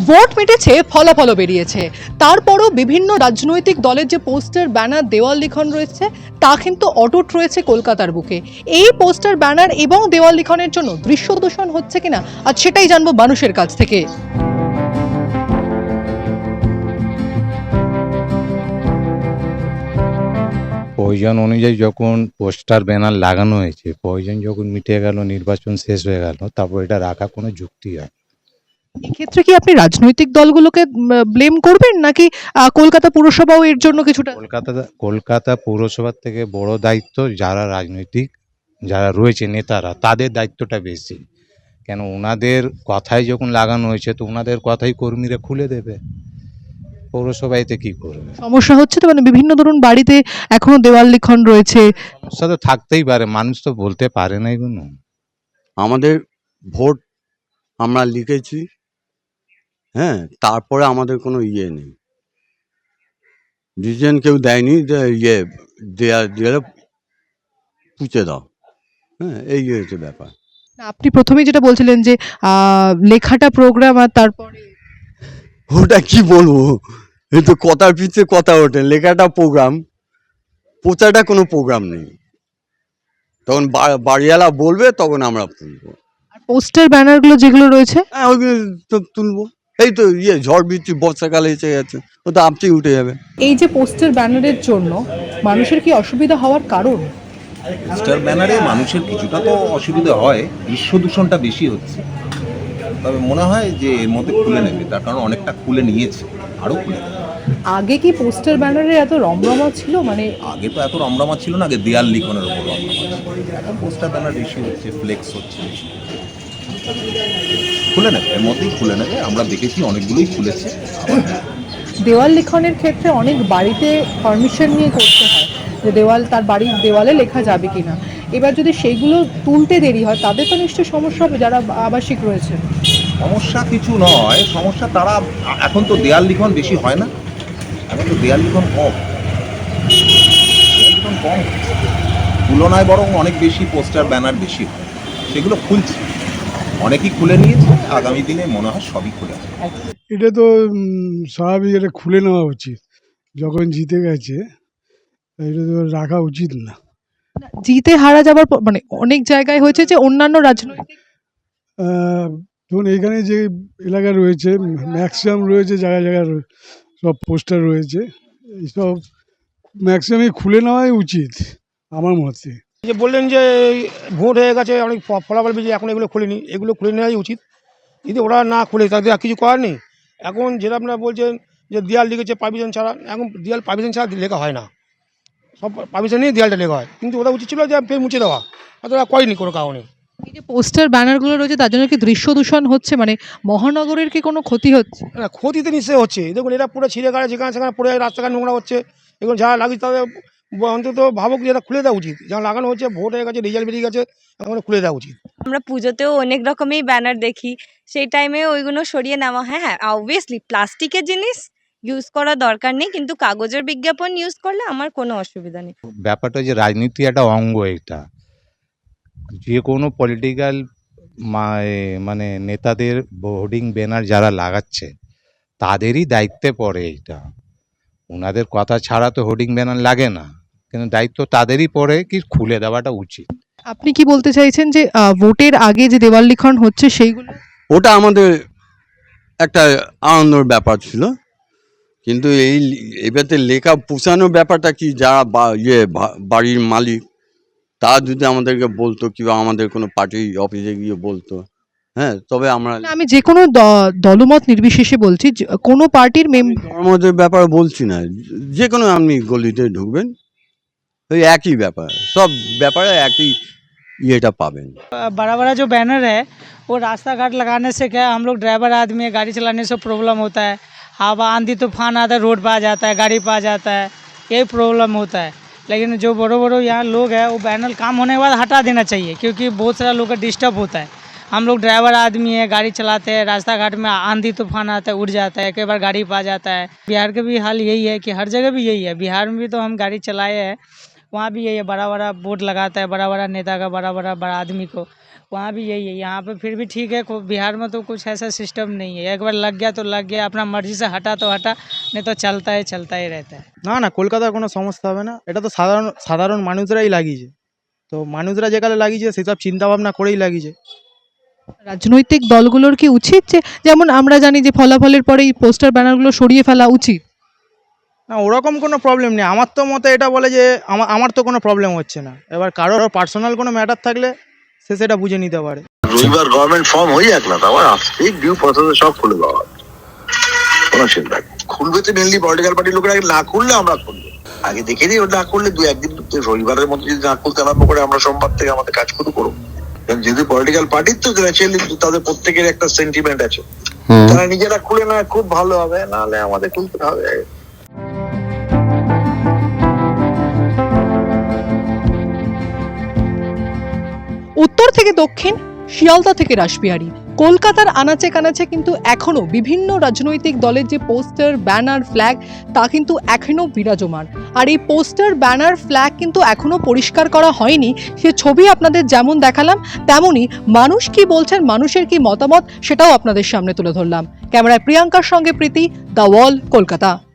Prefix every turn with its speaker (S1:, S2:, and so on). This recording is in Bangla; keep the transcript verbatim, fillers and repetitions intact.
S1: ভোট মিটেছে, ফলাফলও বেরিয়েছে, তারপরও বিভিন্ন রাজনৈতিক দলের যে পোস্টার ব্যানার দেওয়াল লিখন রয়েছে তা কিন্তু অটুট রয়েছে কলকাতার বুকে। এই পোস্টার ব্যানার এবং দেওয়াল লিখনের জন্য দৃশ্য দূষণ হচ্ছে কিনা আজ সেটাই জানবো মানুষের কাছ থেকে।
S2: প্রয়োজন অনুযায়ী যখন পোস্টার ব্যানার লাগানো হয়েছে, প্রয়োজন যখন মিটে গেল, নির্বাচন শেষ হয়ে গেল, তারপর এটা রাখা কোনো যুক্তি হয় না।
S1: এক্ষেত্রে কি আপনি রাজনৈতিক দলগুলোকে ব্লেম করবেন নাকি আহ, কলকাতা পুরসভাও এর জন্য কিছুটা?
S2: কলকাতা কলকাতা পৌরসভার থেকে বড় দায়িত্ব যারা রাজনৈতিক যারা রয়েছে নেতারা, তাদের দায়িত্বটা বেশি। কেন, ওনাদের কথাই যখন লাগানো হয়েছে তো ওনাদের কথাই কর্মীরা খুলে দেবে। পৌরসভা এতে কি করবে?
S1: সমস্যা হচ্ছে তো, মানে বিভিন্ন ধরুন বাড়িতে এখনো দেওয়াল লিখন রয়েছে।
S2: সমস্যা তো থাকতেই পারে, মানুষ তো বলতে পারে না এগুলো।
S3: আমাদের ভোট আমরা লিখেছি, হ্যাঁ, তারপরে আমাদের কোনো ইয়ে নেই, ডিসিশন কেউ দেয়নি যে ইয়ে দেয়া দেয়ালে পুঁছে দাও, হ্যাঁ, এই হয়েছে ব্যাপার।
S1: না, আপনি প্রথমেই যেটা বলছিলেন যে আহ, লেখাটা প্রোগ্রাম আর তারপরে
S3: ওটা কি বলবো, এই তো কথার পিছিয়ে কথা ওঠে, লেখাটা প্রোগ্রাম, পোচাটা কোনো প্রোগ্রাম নেই। তখন বা- বাড়িওয়ালা বলবে তখন আমরা তুলবো,
S1: পোস্টার ব্যানারগুলো যেগুলো রয়েছে।
S3: হ্যাঁ ওইগুলো তো তুলবো। এই তো ইয়ে ঝড় বৃষ্টি বর্ষাকালে এসে গেছে, ও তো আপচি উঠে যাবে।
S1: এই যে পোস্টার ব্যানারের জন্য মানুষের কি অসুবিধা হওয়ার কারণ?
S4: পোস্টার ব্যানারে মানুষের কিছুটা তো অসুবিধা হয়, দৃশ্য দূষণটা বেশি হচ্ছে। তবে মনে হয় যে এর মধ্যে খুলে নেবে, তার কারণ অনেকটা খুলে নিয়েছে, আরও খুলে নেবে।
S1: আগে কি পোস্টার ব্যানারে এত রমরমা ছিল? মানে
S4: আগে তো এত রমরমা ছিল না, আগে দেয়াল লিখনের ওপর রমরমা ছিল। এখন পোস্টার ব্যানার বেশি হচ্ছে, ফ্লেক্স হচ্ছে বেশি। খুলে নেবে, এর মধ্যেই খুলে নেবে, আমরা দেখেছি অনেকগুলোই খুলেছে। আবার
S1: দেওয়াল লিখনের ক্ষেত্রে অনেক বাড়িতে পারমিশন নিয়ে করতে হয় যে দেওয়াল তার বাড়ির দেওয়ালে লেখা যাবে কিনা। এবার যদি সেইগুলো তুলতে দেরি হয় তাদের তো নিশ্চয়ই সমস্যা হবে যারা আবাসিক রয়েছে।
S4: সমস্যা কিছু নয়, সমস্যা তারা এখন তো দেয়াল লিখন বেশি হয় না, এখন তো দেয়াল লিখন কম, দেয়াল লিখন কম হচ্ছে। তুলনায় বরং অনেক বেশি পোস্টার ব্যানার বেশি হয়, সেগুলো খুলছে, অনেকেই খুলে নিয়েছে। আগামী দিনে মনে হয় সবই খুলে হবে।
S5: এটা তো উম, স্বাভাবিক, এটা খুলে নেওয়া উচিত। যখন জিতে গেছে এটা তো রাখা উচিত না।
S1: জিতে হারা যাবার পর- মানে অনেক জায়গায় হয়েছে যে অন্যান্য রাজনৈতিক
S5: আহ, ধরুন এখানে যে এলাকা রয়েছে, ম্যাক্সিমাম রয়েছে জায়গায় জায়গায় রয়ে- সব পোস্টার রয়েছে, এইসব ম্যাক্সিমামই খুলে নেওয়াই উচিত আমার মতে।
S6: যে বললেন যে এই ভোট হয়ে গেছে, অনেক ফ- ফলাফল বেরিয়ে, এখন এগুলো খুলিনি, এগুলো খুলে নেওয়াই উচিত। যদি ওরা না খুলে তাদের আর কিছু করার নেই। এখন যেটা আপনারা বলছেন যে দেয়াল লিখেছে পারমিশন ছাড়া, এখন দেয়াল পারমিশন ছাড়া লেখা হয় না, সব পারমিশন নিয়ে দেয়ালটা লেখা হয়, কিন্তু ওরা উচিত ছিল যে ফের মুছে দেওয়া, হয়তো ওরা করেনি কোনো কারণে।
S1: এই যে পোস্টার ব্যানারগুলো রয়েছে তার জন্য কি দৃশ্য দূষণ হচ্ছে? মানে মহানগরের কি কোনো ক্ষতি হচ্ছে?
S6: না, ক্ষতি তো নিশ্চয়ই হচ্ছে। দেখুন এরা পুরো ছিঁড়ে গাড়ে যেখানে সেখানে পড়ে রাস্তাঘাট নোংরা হচ্ছে। এগুলো যারা লাগিয়েছে তাদের ব- অন্তত ভাবুক যে এটা খুলে দেওয়া উচিত। যা লাগানো হচ্ছে, ভোট হয়ে গেছে, রেজাল্ট বেরিয়ে গেছে, এখন খুলে দেওয়া উচিত।
S7: আমরা পুজোতেও অনেক রকমই ব্যানার দেখি, সেই টাইমে ওইগুলো সরিয়ে নেওয়া। হ্যাঁ হ্যাঁ, অবভিয়াসলি প্লাস্টিকের জিনিস ইউজ করা দরকার নেই, কিন্তু কাগজের বিজ্ঞাপন ইউজ করলে আমার কোনো অসুবিধা নেই।
S2: ব্যাপারটা যে রাজনীতি একটা অঙ্গ, এটা যে কোনো পলিটিক্যাল মানে নেতাদের হোর্ডিং ব্যানার যারা লাগাচ্ছে তাদেরই দায়িত্বে পড়ে এইটা। ওনাদের কথা ছাড়া তো হোর্ডিং ব্যানার লাগে না, কিন্তু দায়িত্ব তাদেরই পড়ে কি খুলে দেওয়াটা উচিত।
S1: আপনি কি বলতে চাইছেন যে আহ, ভোটের আগে যে দেওয়াল লিখন হচ্ছে সেইগুলো?
S3: ওটা আমাদের একটা আনন্দের ব্যাপার ছিল, কিন্তু এই এবারে লেখা পুষানোর ব্যাপারটা কি, যারা বা- ইয়ে ভা- বাড়ির মালিক তা যদি আমাদেরকে বলতো, কিংবা আমাদের কোনো পার্টি অফিসে গিয়ে বলতো, হ্যাঁ, তবে আমরা
S1: না, আমি যে কোনো দ- দলমত নির্বিশেষে বলছি, যে কোনো পার্টির মেম্বার।
S3: ধর্মদের ব্যাপারে বলছি না, যে কোনো আপনি গলিতে ঢুকবেন ওই একই ব্যাপার, সব ব্যাপারে একই ইয়েটা পাবেন।
S8: बड़ा बड़ा जो बैनर है वो रास्ता घाट लगाने से क्या है, हम लोग ड्राइवर आदमी है, गाड़ी चलाने से प्रॉब्लम होता है। हवा आंधी तूफान आता है, रोड पे आ जाता है, गाड़ी पे आ जाता है, यही प्रॉब्लम होता है। लेकिन जो बड़े बड़े यहाँ लोग हैं वो बैनर काम होने के बाद हटा देना चाहिए, क्योंकि बहुत सारा लोग का डिस्टर्ब होता है। हम लोग ड्राइवर आदमी है, गाड़ी चलाते हैं, रास्ता घाट में आंधी तूफान आता है, उड़ जाता है, कई बार गाड़ी पे आ जाता है। बिहार का भी हाल यही है कि हर जगह भी यही है। बिहार में भी तो हम गाड़ी चलाए हैं, वहाँ भी यही है, बड़ा बड़ा बोर्ड लगाता है, बड़ा बड़ा नेता का, बड़ा बड़ा बड़ा आदमी को। वहाँ भी यही है। यहाँ पे फिर भी ठीक है, को- बिहार में तो कुछ ऐसा सिस्टम नहीं है। एक बार लग गया तो लग गया, अपना मर्जी से हटा तो हटा, नहीं तो चलता है चलता ही रहता है।
S6: না না কলকাতার কোনো সমস্যা হবে না, এটা তো সাধারণ সাধারণ মানুষরাই লাগিয়েছে। তো মানুষরা যেখানে লাগিয়েছে সেসব চিন্তা ভাবনা করেই লাগিয়েছে।
S1: রাজনৈতিক দলগুলোর কি উচিত যে, যেমন আমরা জানি যে ফলাফলের পরে এই পোস্টার ব্যানারগুলো সরিয়ে ফেলা উচিত?
S6: না ওরকম কোনো প্রবলেম নেই, আমার তো মতে এটা বলে যে আমার আমার তো কোনো প্রবলেম হচ্ছে না। এবার কারোর পার্সোনাল কোনো ম্যাটার থাকলে সে সেটা বুঝে নিতে পারে।
S9: রবিবার গভর্নমেন্ট ফর্ম হয়ে যাক না, তারপর আসতেই ডিউ প্রসেসে সব খুলে দেওয়া হবে। কোনো চিন্তা নেই। খুলবে তো মেনলি পলিটিক্যাল পার্টির লোকেরা, আগে না খুললে আমরা খুলবো। আগে দেখে নিই, ওটা না করলে দু একদিন তো রবিবারের মধ্যে যদি না খুলতে আরম্ভ করে, আমরা সোমবার থেকে আমাদের কাজ শুরু করবো। কারণ যেহেতু পলিটিক্যাল পার্টির তো ন্যাচারালি তাদের প্রত্যেকের একটা সেন্টিমেন্ট আছে, তারা নিজেরা খুলে না খুব ভালো হবে, নাহলে আমাদের খুলতে হবে।
S1: উত্তর থেকে দক্ষিণ, শিয়ালদা থেকে রাসবিহারী, কলকাতার আনাচে কানাচে কিন্তু এখনো বিভিন্ন রাজনৈতিক দলের যে পোস্টার, ব্যানার, ফ্ল্যাগ, তা কিন্তু এখনো বিরাজমান। আর এই পোস্টার, ব্যানার, ফ্ল্যাগ কিন্তু এখনো পরিষ্কার করা হয়নি। সে ছবি আপনাদের যেমন দেখালাম, তেমনই মানুষ কি বলছেন, মানুষের কি মতামত, সেটাও আপনাদের সামনে তুলে ধরলাম। ক্যামেরায় প্রিয়াঙ্কার সঙ্গে প্রীতি, দ্য ওয়াল, কলকাতা।